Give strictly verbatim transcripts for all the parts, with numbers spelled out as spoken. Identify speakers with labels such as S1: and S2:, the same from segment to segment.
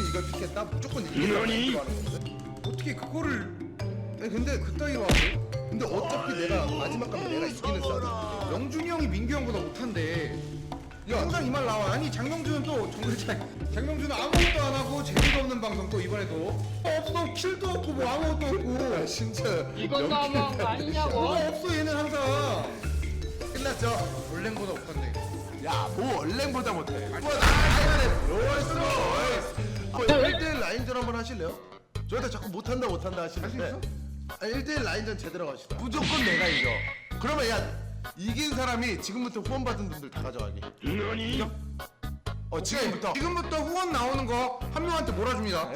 S1: 이걸 픽했다? 무조건 이기겠다고 하는 건데? 어떻게 그거를 아니 근데 그따위로 하고? 근데 어차피 내가 마지막 가면 내가 이기는 싸움.
S2: 영준이 형이 민규 형보다 못한데
S1: 야,
S2: 항상 이 말 나와. 아니 장명준은 또 정글 차이. 장명준은 아무것도 안 하고 재미도 없는 방송 또 이번에도 없어. 킬도 없고 뭐 아무것도 없고.
S1: 야, 진짜
S3: 이건 너무한 거 아니냐고.
S2: 뭐가 없어 얘는 항상.
S1: 끝났죠?
S2: 원랭보다 못한데.
S1: 야뭐 얼랭보다 못해. 뭐야 나 로이스 로이스. 일 대일 라인전 한번 하실래요? 저희가 자꾸 못한다 못한다 하시는데
S2: 할수
S1: 아니 일 대일 라인전 제대로 가시다. 무조건 내가 이겨. 그러면 야 이긴 사람이 지금부터 후원 받은 분들 다 가져가기.
S2: 너니?
S1: 어 지금부터.
S2: 지금부터 후원 나오는 거 한 명한테 몰아줍니다.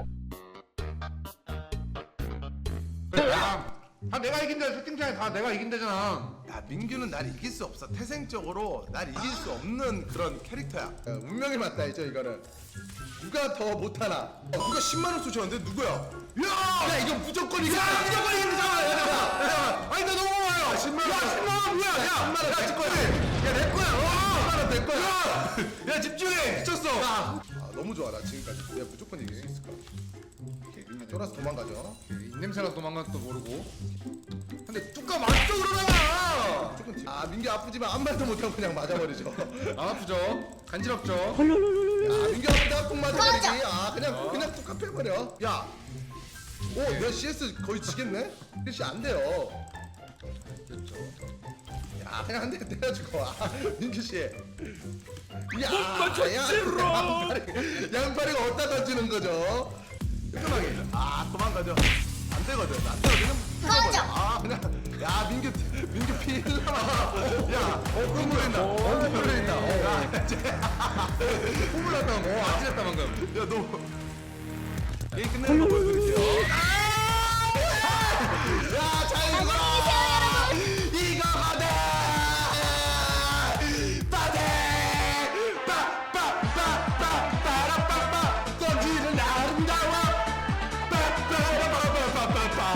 S2: 야, 다 내가 이긴다. 채팅창에 다 내가 이긴다잖아.
S1: 야 민규는 날 이길 수 없어. 태생적으로 날 이길 수 없는 그런 캐릭터야. 야, 운명이 맞다 이죠 이거는. 누가 더 못하나? 어, 누가 십만 원 쏘셨는데 누구야? 야! 야 이거 무조건 이겨! 야 무조건 이기는 사람! 야 잠깐만! 야 아니 나 너무 많아요! 십만 원! 야 십만 원 뭐야! 야 십만 원 야 거야! 야내 거야! 어! 십만 원 내 거야! 야! 야 집중해! 미쳤어! 아 너무 좋아 나 지금까지. 내가 무조건 이길 수 있을 거야. 쫄아서 도망가죠.
S2: 입냄새나 도망가도 모르고. 근데 뚜까 맞죠 그러다가.
S1: 무조건 지- 아 민규 아프지만 아무 말도 못하고 그냥 맞아버리죠.
S2: 안 아프죠? 간지럽죠?
S1: 야 민규 아프다 꼭 맞아버리기. 아 그냥 그냥 뚝 패버려. 야, 오내 씨에스 거의 지겠네. 씨안 돼요.
S2: 됐죠.
S1: 야 그냥 한 대 때려주고. 아 민규 씨. 야, 양파리 양파리가 어디다 던지는 거죠? 깔끔하게. 아 도망가죠. 안 되거든. 안 되거든.
S4: 꺼져.
S1: 아 그냥 야 민규 민규 필라마. 야, 어 콧물 흘린다. 어 콧물 흘린다. 어, 야,
S2: 콧물 났다. 어, 아찔했다 방금.
S1: 야, 너 게임 끝내는 거 보여드릴게요. 야, 잘 이거! 이거 받아! 받아! 빠, 빠, 빠, 빠, 빠라빠빠! 던지는 아름다워! 빠, 빠라빠빠빠빠빠!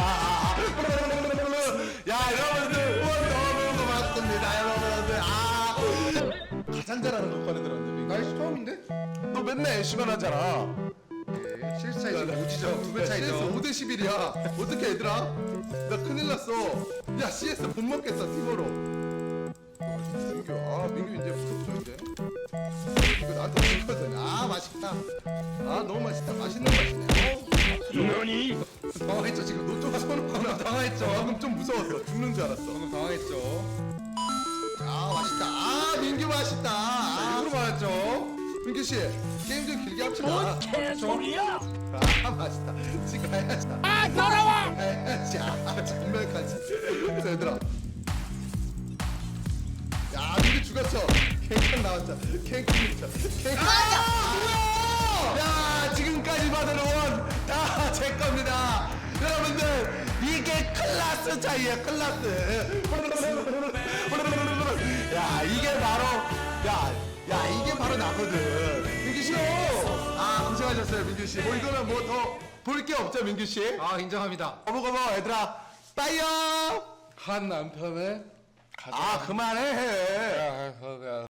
S1: 야, 여러분들 후원 너무 고맙습니다, 여러분들. 아, 가장 잘하는 거 꺼내들었는데,
S2: 나이스 처음인데?
S1: 너 맨날 애쉬만 하잖아.
S2: 네, 실수 차이 지금 오지죠. 두 배
S1: 씨에스
S2: 차이죠.
S1: 오 대 십일이야. 어떻게 얘들아? 나 큰일 났어. 야 씨에스 못 먹겠어 팀으로. 민규, 아 민규 이제 무섭죠 이제. 이거 나한테 먹거든. 아 맛있다. 아 너무 맛있다. 맛있는 맛이네.
S2: 너니? 당황했죠 지금.
S1: 너쪽 손으로
S2: 당황했죠.
S1: 방금 좀 무서웠어. 죽는 줄 알았어.
S2: 방금 당황했죠.
S1: 아 맛있다. 아 민규 맛있다. 아,
S2: 일부러 말했죠.
S1: 민규 씨 게임 좀 길게 합시다.
S3: 개소리야!
S1: 아 맛있다. 지금 가야지.
S3: 아 더러워!
S1: 가야지. 아 정말까지. 그래서 얘들아. 야 민규 죽었어. 캔캔 나왔죠. 캔캔 있죠. 캔캔. 아! 야 지금까지 받은 후원 다 제 겁니다. 여러분들 이게 클라스 차이야 클라스. 야 이게 바로 야, 야 이게 바로 나거든. 민규 씨. 아 고생하셨어요 민규 씨. 뭐 이거는 뭐 더 볼 게 없죠 민규 씨.
S2: 아 인정합니다.
S1: 거보거보 얘들아 빠이요.
S2: 한 남편의
S1: 아 그만해.
S2: 야, 야, 야.